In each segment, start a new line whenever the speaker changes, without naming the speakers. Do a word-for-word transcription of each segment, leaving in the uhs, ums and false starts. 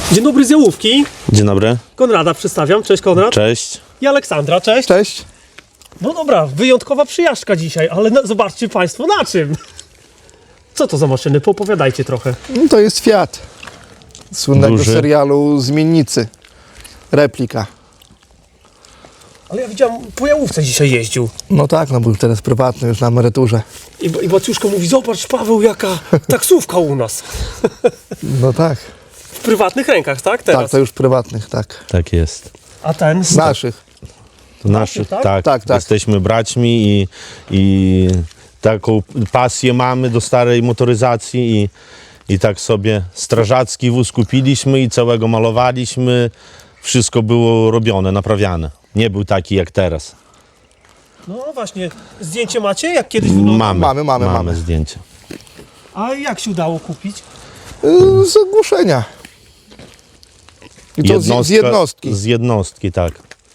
Dzień dobry z Jałówki.
Dzień dobry.
Konrada przedstawiam. Cześć Konrad.
Cześć.
I Aleksandra. Cześć.
Cześć.
No dobra, wyjątkowa przyjażdżka dzisiaj, ale na, zobaczcie Państwo na czym. Co to za maszyny? Poopowiadajcie trochę.
No to jest Fiat. Słynnego
Duży.
serialu Zmiennicy. Replika.
Ale ja widziałem, po Jałówce dzisiaj jeździł.
No tak, no był teraz prywatny, już na emeryturze.
I, I Baciuszko mówi, zobacz Paweł, jaka taksówka u nas.
No tak.
W prywatnych rękach, tak? Teraz.
Tak, to już prywatnych, tak.
Tak jest.
A ten?
Z naszych.
To naszych,
tak?
tak,
Tak, tak.
Jesteśmy braćmi i, i taką pasję mamy do starej motoryzacji i, i tak sobie strażacki wóz kupiliśmy i całego malowaliśmy. Wszystko było robione, naprawiane. Nie był taki jak teraz.
No właśnie, zdjęcie macie? Jak kiedyś wyglądał?
Mamy,
Mamy, mamy, mamy.
zdjęcie.
A jak się udało kupić?
Yy, Z ogłuszenia. I to z, z jednostki.
Z jednostki, tak.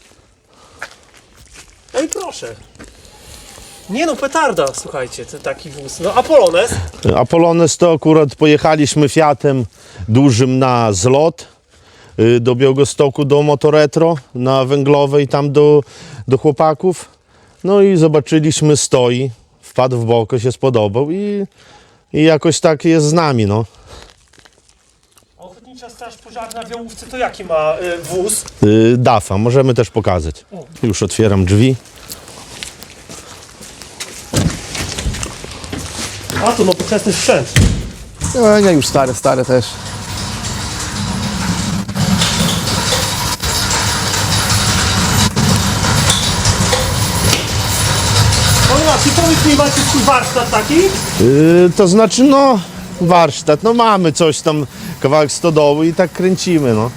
No i proszę. Nie no, petarda, słuchajcie, to taki wóz. No, a Polones?
Apolones to akurat pojechaliśmy Fiatem dużym na zlot y, do Białegostoku, do Motoretro na Węglowej, tam do, do chłopaków. No i zobaczyliśmy, stoi, wpadł w boko, się spodobał i, i jakoś tak jest z nami, no.
Ochotnicza Straż Pożarna w Jałówce to jaki ma y, wóz?
Y, dafa, możemy też pokazać. Już otwieram drzwi.
A to nowoczesny sprzęt.
No nie, już stare, stare też.
Konrad, czy powiedz mi, macie swój warsztat taki?
Y, to znaczy, no, warsztat, no mamy coś tam, kawałek stodoły i tak kręcimy, no.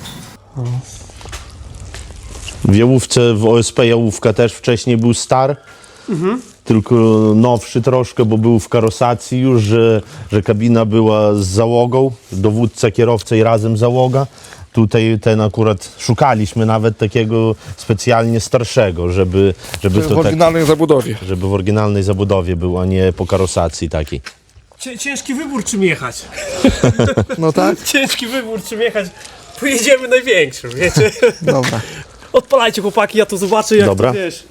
W Jałówce, w O S P Jałówka też wcześniej był star, tylko nowszy troszkę, bo był w karosacji już, że, że kabina była z załogą, dowódca, kierowca i razem załoga. Tutaj ten akurat szukaliśmy nawet takiego specjalnie starszego, żeby, żeby
W
to tak,
oryginalnej zabudowie.
żeby w oryginalnej zabudowie był, a nie po karosacji takiej.
Cię, ciężki wybór, czym jechać.
No tak?
Ciężki wybór, czym jechać. Pojedziemy największym, wiecie?
Dobra.
Odpalajcie chłopaki, ja to zobaczę, jak
Dobra.
to wiesz.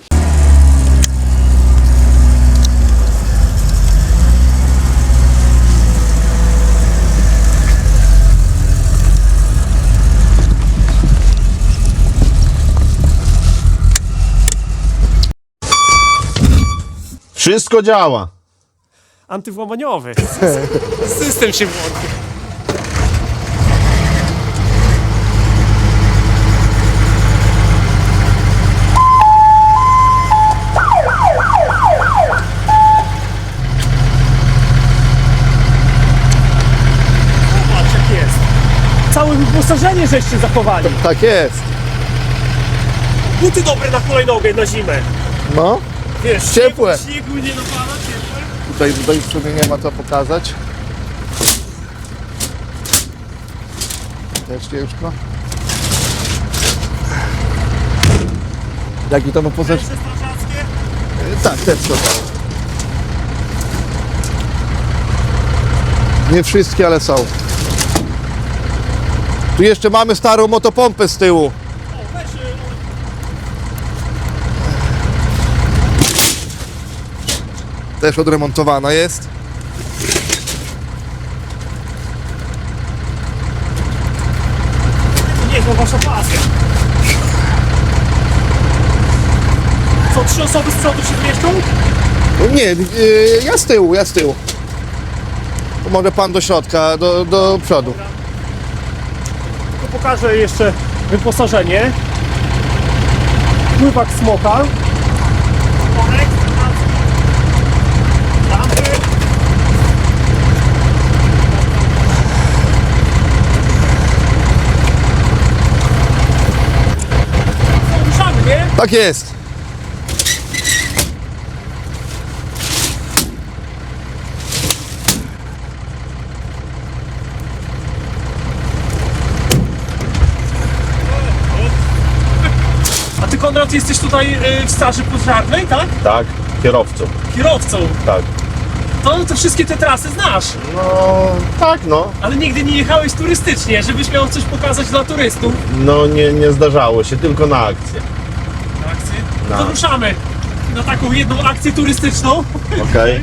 Wszystko działa.
Antywłamaniowy. System się włączy. Zobacz jak jest. Całe wyposażenie żeście zachowali.
Tak jest.
Buty dobre na hulajnogę na zimę.
No.
Wiesz,
Ciepłe.
Śniegu, śniegu nie napada, ciepłe.
Tutaj, tutaj w sumie nie ma co pokazać. Też ciężko. Jaki to ma poza...
Ręce strażackie.
Tak, też to. Nie wszystkie, ale są. Tu jeszcze mamy starą motopompę z tyłu.
O, weź, y,
Też odremontowana jest.
niezła wasza pasja. Co, trzy osoby z przodu się zmieszczą?
Nie, yy, ja z tyłu, ja z tyłu. To może pan do środka, do, do przodu.
To pokażę jeszcze wyposażenie. Pływak smoka. Worek, lampy. Ruszamy, nie?
Tak jest.
A ty Konrad jesteś tutaj y, w straży pożarnej, tak?
Tak, kierowcą.
Kierowcą.
Tak.
To, to wszystkie te trasy znasz,
No tak, no.
ale nigdy nie jechałeś turystycznie, żebyś miał coś pokazać dla turystów.
No nie, nie zdarzało się, tylko na akcję.
Akcje.
No.
To ruszamy na taką jedną akcję turystyczną.
Okej.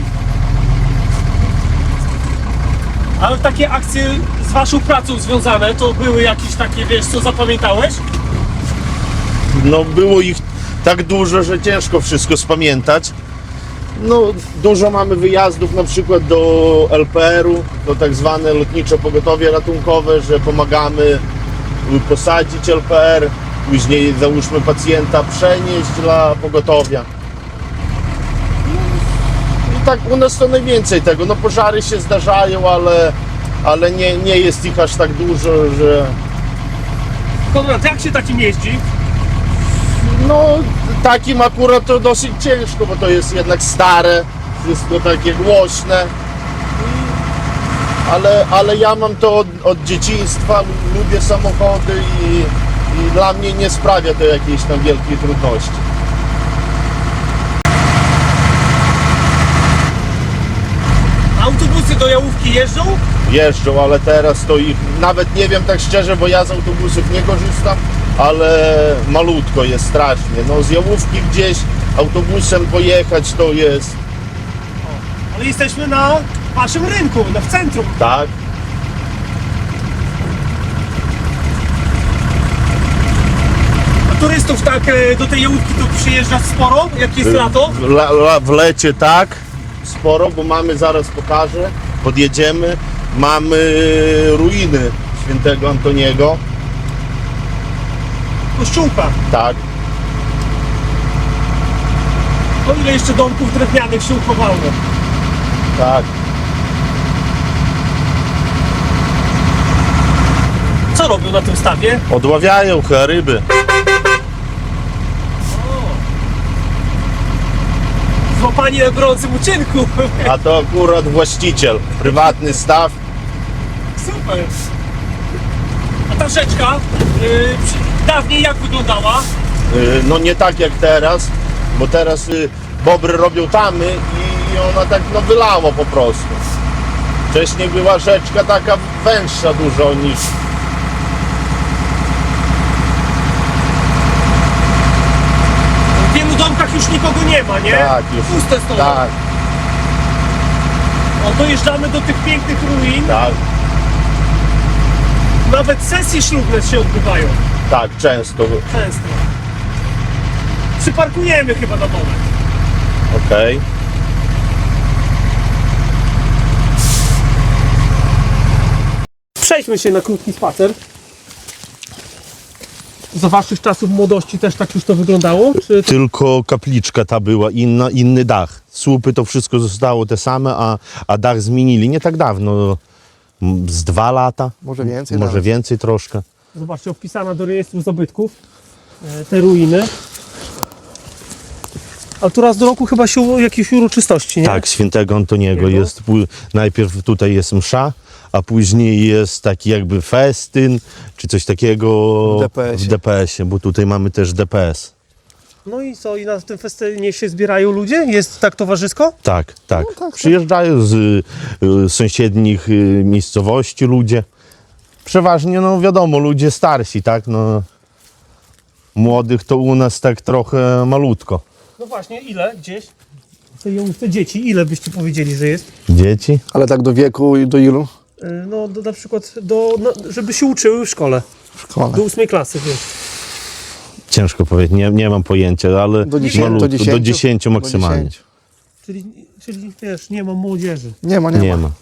Ale takie akcje z waszą pracą związane, to były jakieś takie, wiesz, co zapamiętałeś?
No było ich tak dużo, że ciężko wszystko spamiętać. No dużo mamy wyjazdów na przykład do L P R-u, do tak zwane lotnicze pogotowie ratunkowe, że pomagamy posadzić L P R, później załóżmy pacjenta przenieść dla pogotowia. I tak u nas to najwięcej tego, no pożary się zdarzają, ale, ale nie, nie jest ich aż tak dużo, że
Konrad, jak się takim jeździ?
no takim akurat to dosyć ciężko, bo to jest jednak stare, wszystko takie głośne. Ale, ale ja mam to od, od dzieciństwa, lubię samochody i, i dla mnie nie sprawia to jakiejś tam wielkiej trudności.
Autobusy do Jałówki jeżdżą?
Jeżdżą, ale teraz to ich nawet nie wiem tak szczerze, bo ja z autobusów nie korzystam, ale malutko jest strasznie. No z Jałówki gdzieś autobusem pojechać to jest,
Ale jesteśmy na waszym rynku, na w centrum.
tak?
A turystów tak e, do tej Jałówki to przyjeżdża sporo, jak jest lato?
W, la, la, w lecie tak, sporo, bo mamy, zaraz pokażę, podjedziemy, mamy ruiny świętego Antoniego,
Kościółka.
tak,
O ile jeszcze domków drewnianych się uchowało.
tak.
Co robią na tym stawie?
Odławiają chyba ryby.
Złapani na gorącym uczynku.
A to akurat właściciel, prywatny staw.
Super. A ta rzeczka yy, przy- dawniej jak wyglądała?
Y, No nie tak jak teraz, bo teraz y, bobry robią tamy i ona tak no wylała po prostu. Wcześniej była rzeczka taka węższa dużo niż...
W wielu domkach już nikogo nie ma, nie?
Tak, już.
Puste stoły.
Tak,
O, dojeżdżamy do tych pięknych ruin.
tak,
Nawet sesje ślubne się odbywają.
tak, często.
Często. Przyparkujemy chyba na moment.
Okej.
Przejdźmy się na krótki spacer. Za waszych czasów młodości też tak już to wyglądało? Czy to...
Tylko kapliczka ta była, inna, inny dach. Słupy to wszystko zostało te same, a, a dach zmienili nie tak dawno, m, z dwa lata.
Może więcej
Może
nawet.
więcej troszkę.
Zobaczcie, wpisana do rejestru zabytków e, te ruiny. A tu raz do roku chyba się u- jakieś uroczystości, nie?
Tak, świętego Antoniego
Jego?
jest, pó- najpierw tutaj jest msza, a później jest taki jakby festyn, czy coś takiego
W D P S-ie.
w D P S-ie, bo tutaj mamy też D P S.
No i co, i na tym festynie się zbierają ludzie? Jest tak towarzysko?
Tak, tak.
tak, tak.
Przyjeżdżają z y, sąsiednich y, miejscowości ludzie. Przeważnie, no wiadomo, ludzie starsi, tak, no. Młodych to u nas tak trochę malutko.
No właśnie, ile gdzieś? W tej Jałówce dzieci, ile byście powiedzieli, że jest?
Dzieci?
Ale tak do wieku i do ilu?
E, No do, na przykład, do, no, żeby się uczyły w szkole.
W szkole.
Do ósmej klasy, wiesz.
Ciężko powiedzieć, nie, nie mam pojęcia, ale
Do dziesięciu,
malutko,
do dziesięciu,
do dziesięciu maksymalnie.
Do dziesięciu.
Czyli, czyli wiesz, nie ma młodzieży.
Nie ma, nie,
Nie
ma.
ma.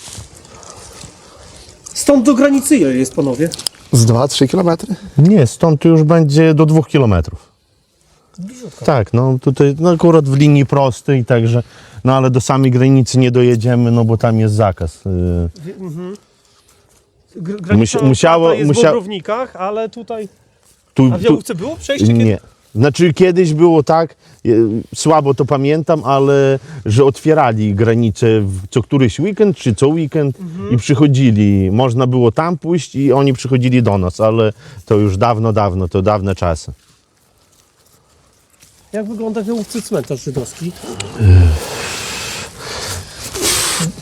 Stąd do granicy ile jest, panowie?
Z dwa, trzy kilometry?
Nie, stąd to już będzie do dwóch kilometrów.
Bliziutko.
Tak, no tutaj no akurat w linii prostej, także, no ale do samej granicy nie dojedziemy, no bo tam jest zakaz. y,
Gr- granica
Musi- musiało-
jest
musia-
w Bobrownikach, ale tutaj...
Tu,
A w
tu,
Jałówce było przejście? Kiedy...
nie. Znaczy kiedyś było tak, y, słabo to pamiętam, ale że otwierali granice w co któryś weekend, czy co weekend i przychodzili. Można było tam pójść i oni przychodzili do nas, ale to już dawno, dawno, to dawne czasy.
Jak wygląda w Jałówce cmentarz żydowski?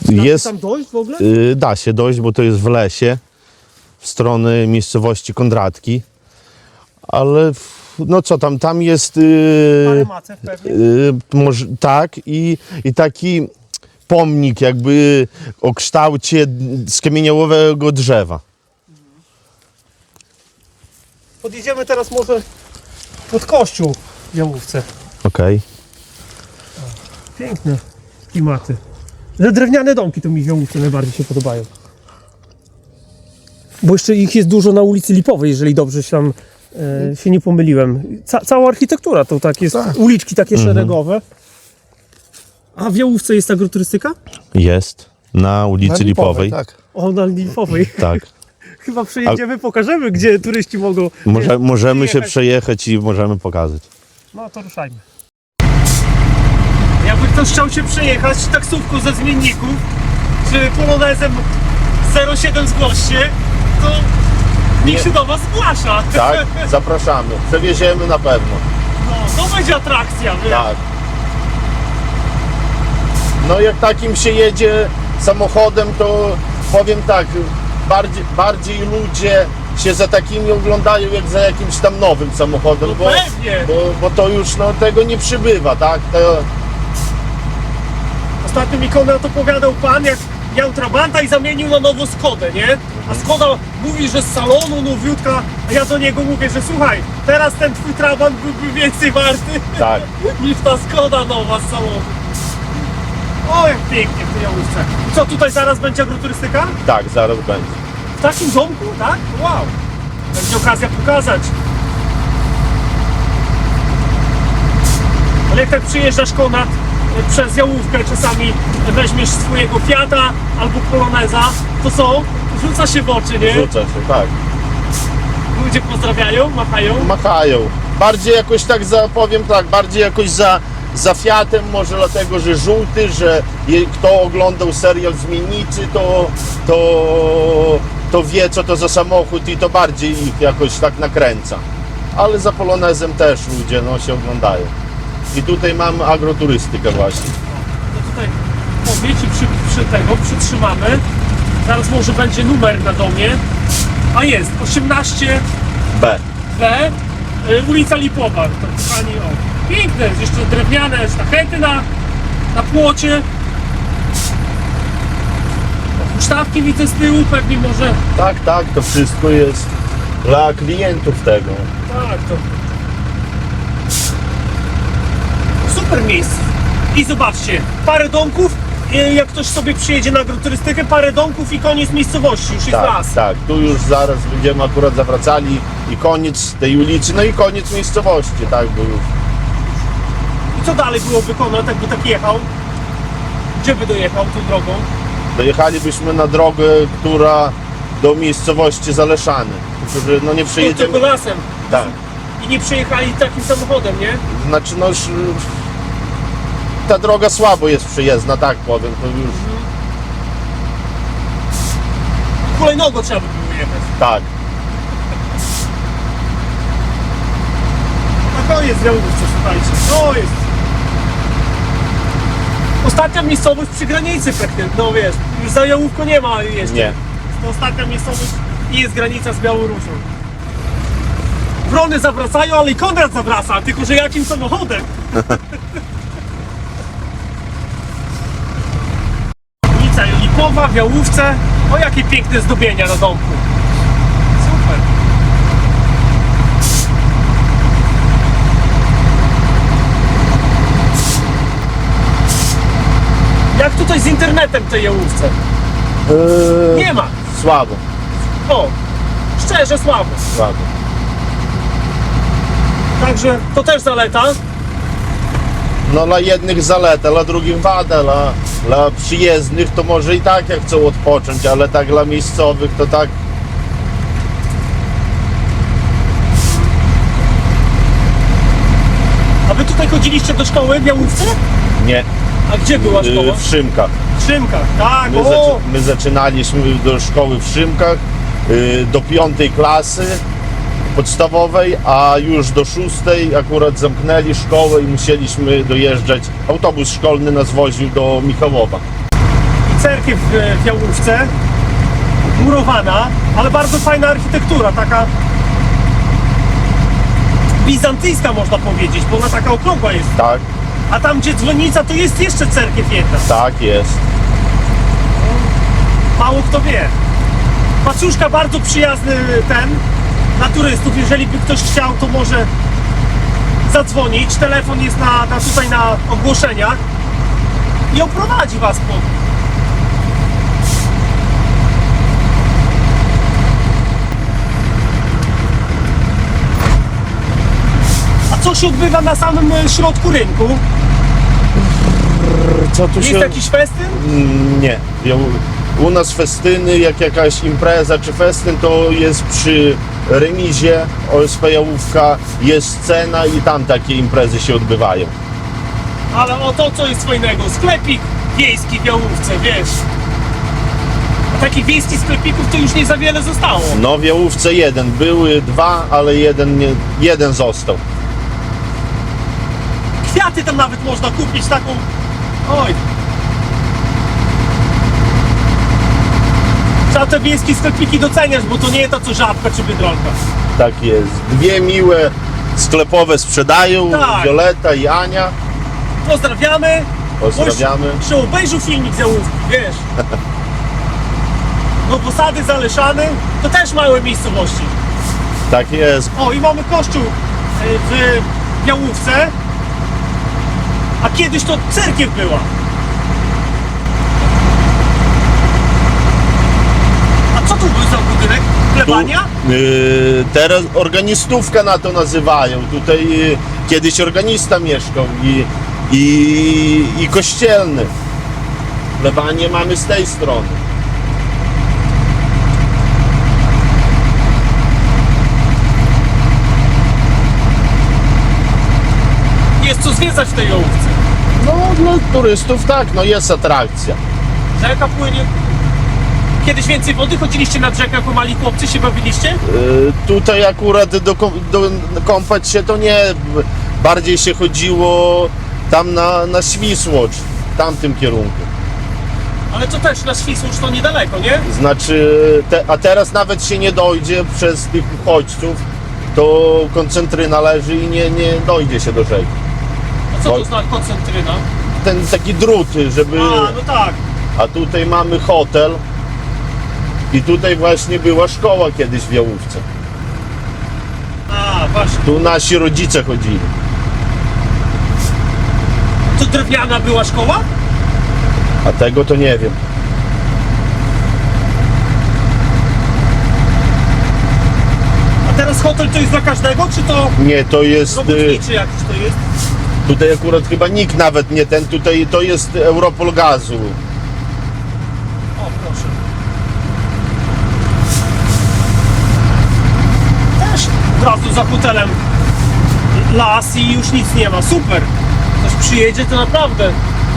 Jest,
Tam dojść w ogóle?
y, da się dojść, bo to jest w lesie, w stronę miejscowości Kondratki, ale w- no co tam, tam jest
Parę
y,
macew pewnie.
y, może, tak i, i taki pomnik jakby o kształcie skamieniałowego drzewa.
Podjedziemy teraz może pod kościół w Jałówce.
Okej.
Piękne klimaty. Te drewniane domki to mi w Jałówce najbardziej się podobają. Bo jeszcze ich jest dużo na ulicy Lipowej, jeżeli dobrze się tam e, się nie pomyliłem. Ca cała architektura to tak jest, uliczki takie szeregowe. A w Jałówce jest agroturystyka?
Jest na ulicy
Na
Lipowej.
tak.
O, na Lipowej.
Tak.
Chyba przejedziemy, pokażemy, gdzie turyści mogą...
Może, możemy się
przyjechać.
przejechać i możemy pokazać.
No to ruszajmy. Jakby ktoś chciał się przejechać taksówką ze zmienników, czy polonezem zero siedem zgłoście, to niech
Nie.
się do was zgłasza.
Tak, zapraszamy. Przewieziemy na pewno.
No, to będzie atrakcja, wiesz.
Tak. No jak takim się jedzie samochodem, to powiem tak, bardziej, bardziej ludzie się za takimi oglądają jak za jakimś tam nowym samochodem,
No
bo,
pewnie.
bo, bo to już no, tego nie przybywa, tak? To,
Ostatnio mi Konrad opowiadał pan, jak miał Trabanta i zamienił na nowo Skodę, nie? A Skoda mówi, że z salonu nowiutka, a ja do niego mówię, że słuchaj, teraz ten twój Trabant byłby więcej warty
tak.
niż ta Skoda nowa z salonu. O, jak pięknie w tej Jałówce. I co, tutaj zaraz będzie agroturystyka?
Tak, zaraz będzie.
W takim domku, tak? Wow. Będzie okazja pokazać. Ale jak tak przyjeżdżasz, Konrad, przez Jałówkę, czasami weźmiesz swojego Fiata albo Poloneza, to co? Rzuca się w oczy, nie?
Rzuca się, tak.
Ludzie pozdrawiają, machają.
Machają. Bardziej jakoś tak za, powiem tak, bardziej jakoś za, za Fiatem, może dlatego, że żółty, że je, kto oglądał serial Zmiennicy, to, to, to wie, co to za samochód i to bardziej ich jakoś tak nakręca. Ale za Polonezem też ludzie no, się oglądają. I tutaj mamy agroturystykę właśnie.
No tutaj powiedz i przy, przy tego przytrzymamy. Zaraz może będzie numer na domie. A jest, osiemnaście
B.
B, y, ulica Lipowa. To kochani, o, piękne, jest jeszcze drewniane sztachety na, na płocie. Huśtawki widzę z tyłu, pewnie może.
Tak, tak, to wszystko jest dla klientów tego.
Tak, to. Super miejsce. I zobaczcie, parę domków. y, Jak ktoś sobie przyjedzie na agroturystykę, parę domków i koniec miejscowości, już jest
Tak,
las.
tak, tu już zaraz będziemy akurat zawracali i koniec tej ulicy, no i koniec miejscowości, tak, bo już.
I co dalej było wykonać, jakby tak jechał? Gdzie by dojechał tą drogą?
Dojechalibyśmy na drogę, która do miejscowości Zaleszany. Tylko, że no nie
Tylko
przejedziemy.
lasem.
Tak.
I nie przejechali takim samochodem, nie?
Znaczy no już ta droga słabo jest przyjezdna, tak powiem. To już
Hulajnogo trzeba by było jechać.
tak.
Na koniec Jałówce, słuchajcie. To jest. Ostatnia miejscowość przy granicy praktycznie. No wiesz, już za Jałówką nie ma jeszcze.
Nie.
To ostatnia miejscowość i jest granica z Białorusią. Wrony zawracają, ale i Konrad zawraca, tylko że jakim samochodem? Ulica Lipowa w Jałówce. O, jakie piękne zdobienia na domku. Super. Jak tutaj z internetem w tej Jałówce?
Eee,
Nie ma.
Słabo,
O, szczerze słabo.
słabo.
Także to też zaleta.
No dla jednych zaleta, dla drugich wada, dla, dla przyjezdnych to może i tak jak chcą odpocząć, ale tak dla miejscowych to tak.
A wy tutaj chodziliście do szkoły w Jałówce?
Nie.
A gdzie była szkoła?
Yy, w Szymkach.
W Szymkach, tak,
My,
o!
zaczy, my zaczynaliśmy do szkoły w Szymkach yy, do piątej klasy podstawowej, a już do szóstej akurat zamknęli szkołę i musieliśmy dojeżdżać. Autobus szkolny nas woził do Michałowa.
I cerkiew w Jałówce, murowana, ale bardzo fajna architektura, taka bizantyjska można powiedzieć, bo ona taka okrągła jest.
Tak,
A tam gdzie dzwonnica to jest jeszcze cerkiew jedna.
tak jest.
Mało kto wie. Paczuszka bardzo przyjazny ten na turystów. Jeżeli by ktoś chciał, to może zadzwonić. Telefon jest na, na tutaj na ogłoszeniach i oprowadzi was po. A co się odbywa na samym e, środku rynku?
Co tu
Jest jakiś festyn?
Mm, Nie. Ja- U nas festyny, jak jakaś impreza czy festyn, to jest przy remizie O S P Jałówka, jest scena i tam takie imprezy się odbywają.
Ale o to co jest fajnego? Sklepik wiejski w Jałówce, wiesz. A takich wiejskich sklepików to już nie za wiele zostało.
No w Jałówce jeden, były dwa, ale jeden, nie, jeden został.
Kwiaty tam nawet można kupić, taką... Oj. Trzeba te wiejskie sklepiki doceniać, bo to nie jest to co Żabka czy Biedronka.
Tak jest. Dwie miłe sklepowe sprzedają,
Tak.
Wioleta i Ania.
Pozdrawiamy.
Pozdrawiamy.
Czy obejrzył filmik z Jałówki, wiesz. No posady Zaleszany to też małe miejscowości.
Tak jest.
O, i mamy kościół y, w Jałówce. A kiedyś to cerkiew była. A co tu był za budynek? Plebania?
Tu, y, teraz organistówka na to nazywają. Tutaj y, kiedyś organista mieszkał i, i, i kościelny. Plebanie mamy z tej strony.
Jest co zwiedzać w tej Jałówce.
No dla turystów tak, no jest atrakcja.
Rzeka płynie. Kiedyś więcej wody? Chodziliście nad rzekę jako mali chłopcy, się bawiliście?
Y, tutaj akurat do, kąp- do kąpać się to nie, bardziej się chodziło tam na, na Świsłocz, w tamtym kierunku.
Ale to też na Świsłocz to niedaleko, nie?
Znaczy, te, a teraz nawet się nie dojdzie przez tych uchodźców, to koncentryna leży i nie, nie dojdzie się do rzeki.
A co to
Oj.
znaczy koncentryna?
Ten taki drut, żeby...
A, no tak.
A tutaj mamy hotel i tutaj właśnie była szkoła kiedyś w Jałówce.
A, właśnie.
Tu nasi rodzice chodzili.
To drewniana była szkoła?
A tego to nie wiem.
A teraz hotel to jest dla każdego, czy to
Nie, to jest... y,
robotniczy jakiś to jest?
Tutaj akurat chyba nikt nawet nie ten, tutaj to jest Europol Gazu.
O, proszę. Też od razu za hotelem las i już nic nie ma. Super. Ktoś przyjedzie, to naprawdę.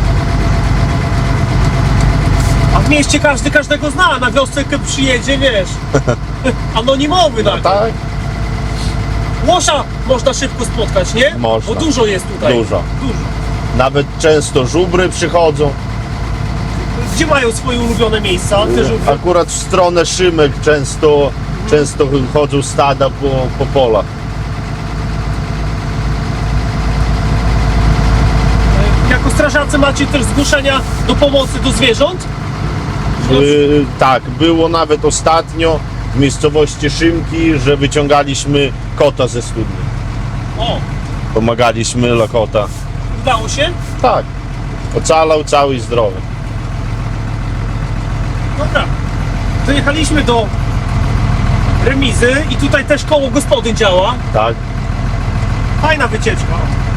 A w mieście każdy każdego zna. Na wiosce jak przyjedzie, wiesz. Anonimowy nagle.
Tak?
Łosia można szybko spotkać, nie?
Można.
Bo dużo jest tutaj.
Dużo.
Dużo.
Nawet często żubry przychodzą.
Gdzie mają swoje ulubione miejsca? Te żubry?
Akurat w stronę Szymek często, często chodzą stada po, po polach.
Jako strażacy macie też zgłoszenia do pomocy do zwierząt?
Yy, tak, było nawet ostatnio w miejscowości Szymki, że wyciągaliśmy kota ze studni.
O,
Pomagaliśmy dla kota.
udało się?
Tak, ocalał cały i zdrowy.
Dobra. Dojechaliśmy do remizy i tutaj też koło gospodyń działa.
Tak,
Fajna wycieczka.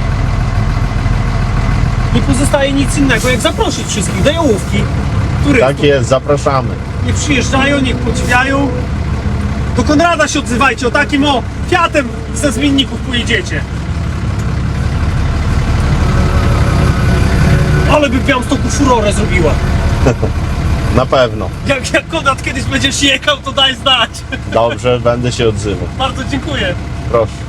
Nie pozostaje nic innego jak zaprosić wszystkich do Jałówki. Turystów.
tak jest, zapraszamy.
Niech przyjeżdżają, niech podziwiają. Do Konrada się odzywajcie, o takim o Fiatem ze zmienników pojedziecie. Ale by w Białymstoku furorę zrobiła.
Na pewno.
Jak, jak Konrad kiedyś będziesz jechał, to daj znać.
Dobrze, będę się odzywał.
Bardzo dziękuję.
Proszę.